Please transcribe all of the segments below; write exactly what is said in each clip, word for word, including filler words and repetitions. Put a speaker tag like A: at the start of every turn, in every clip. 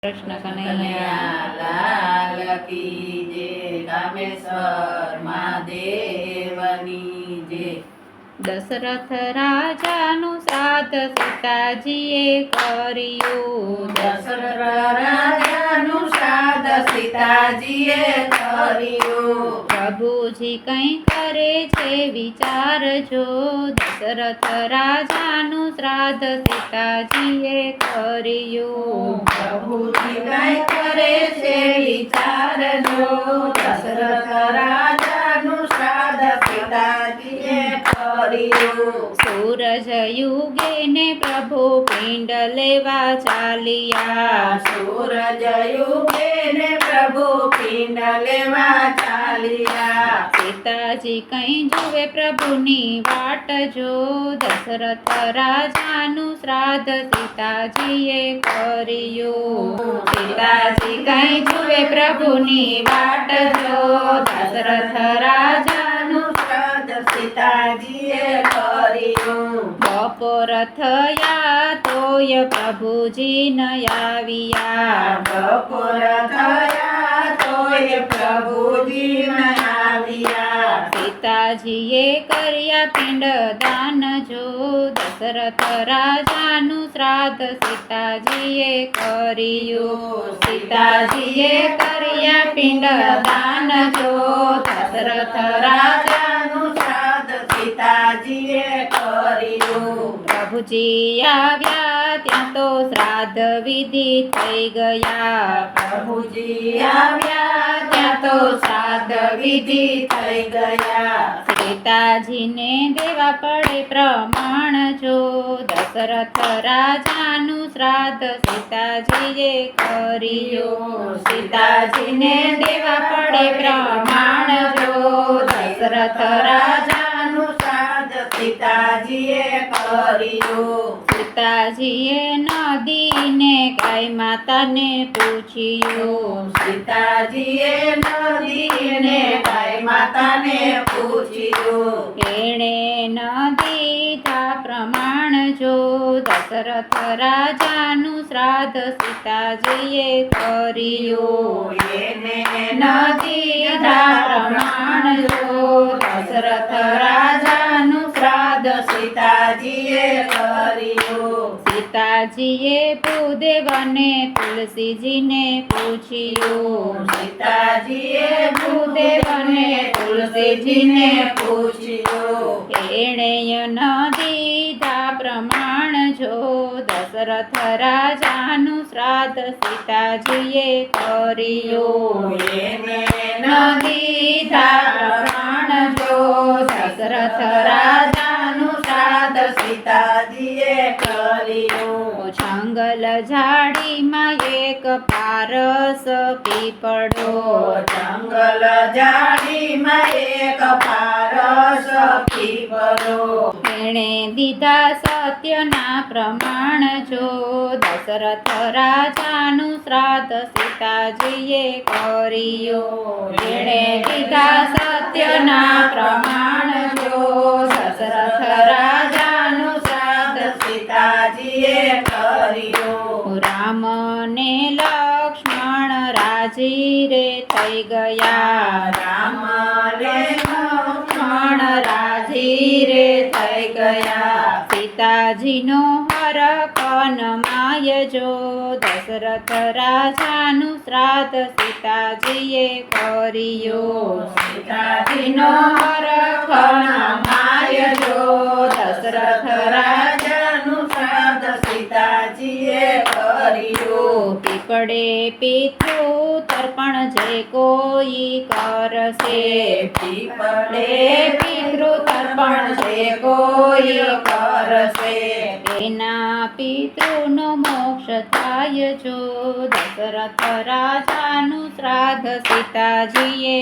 A: કૃષ્ણ કનૈયા
B: લાલ કી જય, કામેશ્વર મહાદેવની જય.
A: દશરથ રાજાનું શ્રાદ્ધ સીતાજીએ કર્યું.
B: દશરથ રાજાનું શ્રાદ્ધ સીતાજીએ કર્યું.
A: પ્રભુજી કંઈ કરે છે વિચારજો. દશરથ રાજાનું શ્રાદ્ધ સીતાજીએ કર્યું.
B: પ્રભુજી કંઈ કરે છે વિચારજો. દશરથ રાજાનું શ્રાદ્ધ સીતાજીએ કર્યું.
A: સૂરજ યુગે ને પ્રભુ પિંડ લેવા ચાલ્યા.
B: સૂરજ યુગે ને પ્રભુ પિંડ લેવા ચાલ્યા.
A: સીતાજી કઈ જુએ પ્રભુની વાટ જો. દશરથ રાજાનું શ્રાદ્ધ સીતાજીએ કર્યું. સીતાજી કઈ જુએ પ્રભુની વાટ જો. દશરથ રાજાનું
B: શ્રાદ્ધ સીતાજીએ કર્યું.
A: બપોર થયા તોય પ્રભુજી ન આવ્યા.
B: બપોર થયા તોય પ્રભુજી ન આવ્યા.
A: સીતાજીએ કર્યા પિંડ દાન જો. દશરથ રાજાનું શ્રાદ્ધ સીતાજીએ કર્યું. સીતાજીએ કર્યા પિંડ દાન જો. દશરથ રાજાનું
B: શ્રાદ્ધ સીતાજીએ કર્યું.
A: પ્રભુજી આવ્યા ત્યાં તો શ્રાદ્ધ વિધિ થઈ ગયા.
B: પ્રભુજી આવ્યા ત્યાં તો શ્રાદ્ધ વિધિ થઈ ગયા.
A: સીતાજીને દેવા પડે પ્રમાણ જો. દશરથ રાજાનું શ્રાદ્ધ સીતાજીએ કર્યું. સીતાજીને દેવા પડે પ્રમાણ જો. દશરથ રાજાનું
B: શ્રાદ્ધ સીતાજીએ કર્યું.
A: સીતાજીએ નદીને ગાય માતાને પૂછ્યું.
B: સીતાજીએ નદીને ગાય માતાને પૂછ્યું.
A: એણે નદી તા પ્રમાણ જો. દશરથ રાજાનું શ્રાદ્ધ સીતાજીએ કર્યું.
B: એને
A: નદી તા પ્રમાણ જો. દશરથ રાજાનું શ્રાદ્ધ
B: સીતાજીએ કર્યું.
A: સીતાજીએ ભૂદેવને તુલસીજીને પૂછ્યું.
B: સીતાજીએ ભૂદેવને તુલસીજીને પૂછ્યું.
A: એણે નદી તા પ્રમાણ જો. દશરથ રાજાનું શ્રાદ્ધ સીતાજીએ કર્યું.
B: એને
A: નદી તા પ્રમાણ જો. દશરથ રાજાનું શ્રાદ્ધ
B: સીતાજીએ કર્યું.
A: જંગલ ઝાડીમાં એક પારસ પીપળો.
B: જંગલ ઝાડીમાં એક પારસ પીપળો.
A: એણે દીધા સત્યના પ્રમાણ જો. દશરથ રાજાનું શ્રાદ્ધ સીતાજીએ કર્યું. એણે દીધા સત્યના પ્રમાણ જો. દશરથ રાજાનું શ્રાદ્ધ
B: સીતાજીએ કર્યું.
A: રામ ને લક્ષ્મણ રાજી રે થઈ ગયા.
B: રામ ને
A: લક્ષ્મણ રાજી રે થઈ ગયા. સીતાજીનો હરખ માય જો. દશરથ રાજાનું શ્રાદ્ધ સીતાજીએ કર્યું. સીતાજીનો હરખ માય જો. દશરથ રાજાનું
B: શ્રાદ્ધ સીતાજીએ કર્યું.
A: પીપળે પિતૃ તર્પણ જે કોઈ કરશે.
B: પીપળે
A: પિતૃ તર્પણ જે કોઈ કરશે. એના પિતૃનો મોક્ષ થાય જો. દશરથ રાજાનું શ્રાદ્ધ સીતાજીએ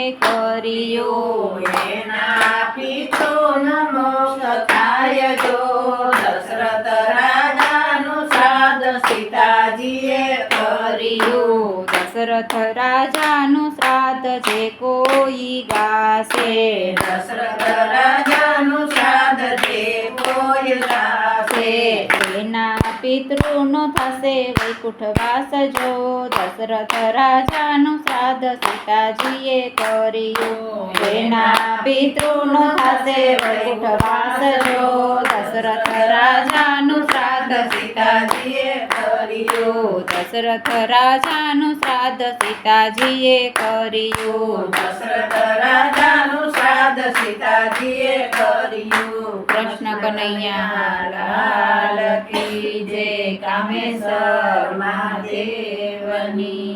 A: કર્યું.
B: એના પિતૃનો મોક્ષ થાય જો. દશરથ રાજાનું શ્રાદ્ધ સીતાજીએ કર્યું.
A: દશરથ રાજાનું શ્રાદ્ધ જે કોઈ ગાશે.
B: દશરથ રાજાનું શ્રાદ્ધ જે કોઈ ગાશે.
A: એના પિતૃનો થશે વૈકુંઠવાસ જો દશરથ રાજાનું શ્રાદ્ધ સીતાજીએ કર્યું જેના પિતૃનો થશે વૈકુંઠવાસ જો દશરથ રાજાનું શ્રાદ્ધ
B: સીતાજીએ કર્યું
A: દશરથ રાજાનું શ્રાદ્ધ સીતાજીએ કર્યું
B: દશરથ રાજાનું શ્રાદ્ધ સીતાજીએ કર્યું
A: કૃષ્ણ કનૈયા
B: લાલ કી જય કામેશ્વર મહાદેવની